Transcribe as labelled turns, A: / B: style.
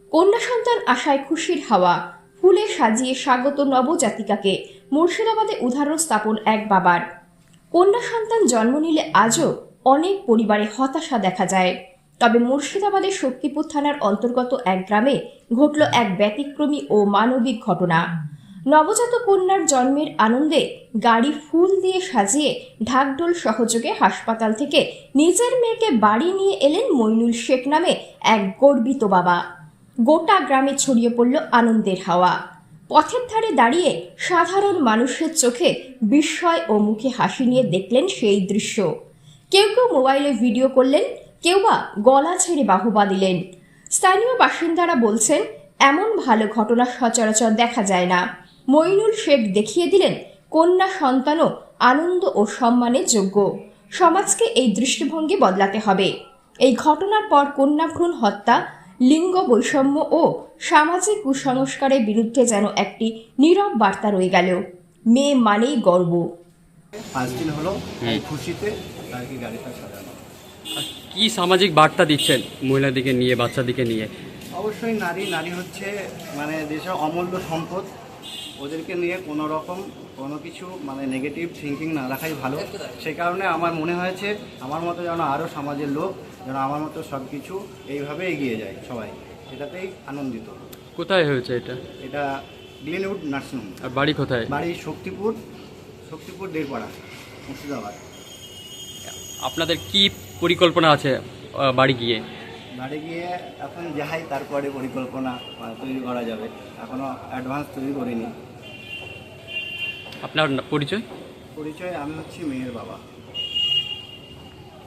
A: কন্যা সন্তান আশায় খুশির হাওয়া, ফুলে সাজিয়ে স্বাগত নবজাতিকাকে। মুর্শিদাবাদে উদাহরণ স্থাপন এক বাবার। কন্যা সন্তান জন্ম নিলে আজও অনেক পরিবারে হতাশা দেখা যায়। তবে মুর্শিদাবাদের শক্তিপুর থানার অন্তর্গত এক গ্রামে ঘটল এক ব্যতিক্রমী ও মানবিক ঘটনা। নবজাত কন্যার জন্মের আনন্দে গাড়ি ফুল দিয়ে সাজিয়ে ঢাকঢোল সহযোগে হাসপাতাল থেকে নিজের মেয়েকে বাড়ি নিয়ে এলেন মইনুল শেখ নামে এক গর্বিত বাবা। গোটা গ্রামে ছড়িয়ে পড়ল আনন্দের হাওয়া। পথের ধারে দাঁড়িয়ে সাধারণ মানুষের চোখে বিস্ময় ও মুখে হাসি নিয়ে দেখলেন সেই দৃশ্য। কেউ কেউ মোবাইলে ভিডিও করলেন, কেউ বা গলা ছেড়ে বাহবা দিলেন। স্থানীয় বাসিন্দারা বলছেন, এমন ভালো ঘটনা সচরাচর দেখা যায় না। মইনুল শেখ দেখিয়ে দিলেন কন্যা সন্তানও আনন্দ ও সম্মানের যোগ্য। সমাজকে এই দৃষ্টিভঙ্গি বদলাতে হবে। এই ঘটনার পর কন্যা ভ্রূণ হত্যা, লিঙ্গ বৈষম্য ও সামাজিক কুসংস্কারের বিরুদ্ধে যেন একটি নীরব বার্তা রয়ে গেল। মেয়ে মানেই গর্ব।
B: 5 দিন হলো এই খুশিতে আর কি গাড়িটা সাজানো।
C: কি সামাজিক বার্তা দিচ্ছেন মহিলাদিকে নিয়ে, বাচ্চাদিকে নিয়ে?
B: অবশ্যই নারী হচ্ছে মানে দেশের অমূল্য সম্পদ। ওদেরকে নিয়ে কোনো রকম কোনো কিছু মানে নেগেটিভ থিঙ্কিং না রাখাই ভালো। সেই কারণে আমার মনে হয়েছে আমার মতো যেন আরও সমাজের লোক যেন আমার মতো সব কিছু এইভাবে এগিয়ে যায়, সবাই এটাতেই আনন্দিত।
C: কোথায় হয়েছে এটা?
B: এটা গ্লিনউড নার্সিংহোম।
C: আর বাড়ি কোথায়?
B: বাড়ি শক্তিপুর দেড়পাড়া, মুর্শিদাবাদ।
C: আপনাদের কি পরিকল্পনা আছে বাড়ি গিয়ে?
B: বাড়ি গিয়ে এখন যাই, তারপরে পরিকল্পনা তৈরি করা যাবে। এখনও অ্যাডভান্স তৈরি করিনি।
C: আপনার পরিচয়?
B: আমি হচ্ছি মেয়ের বাবা।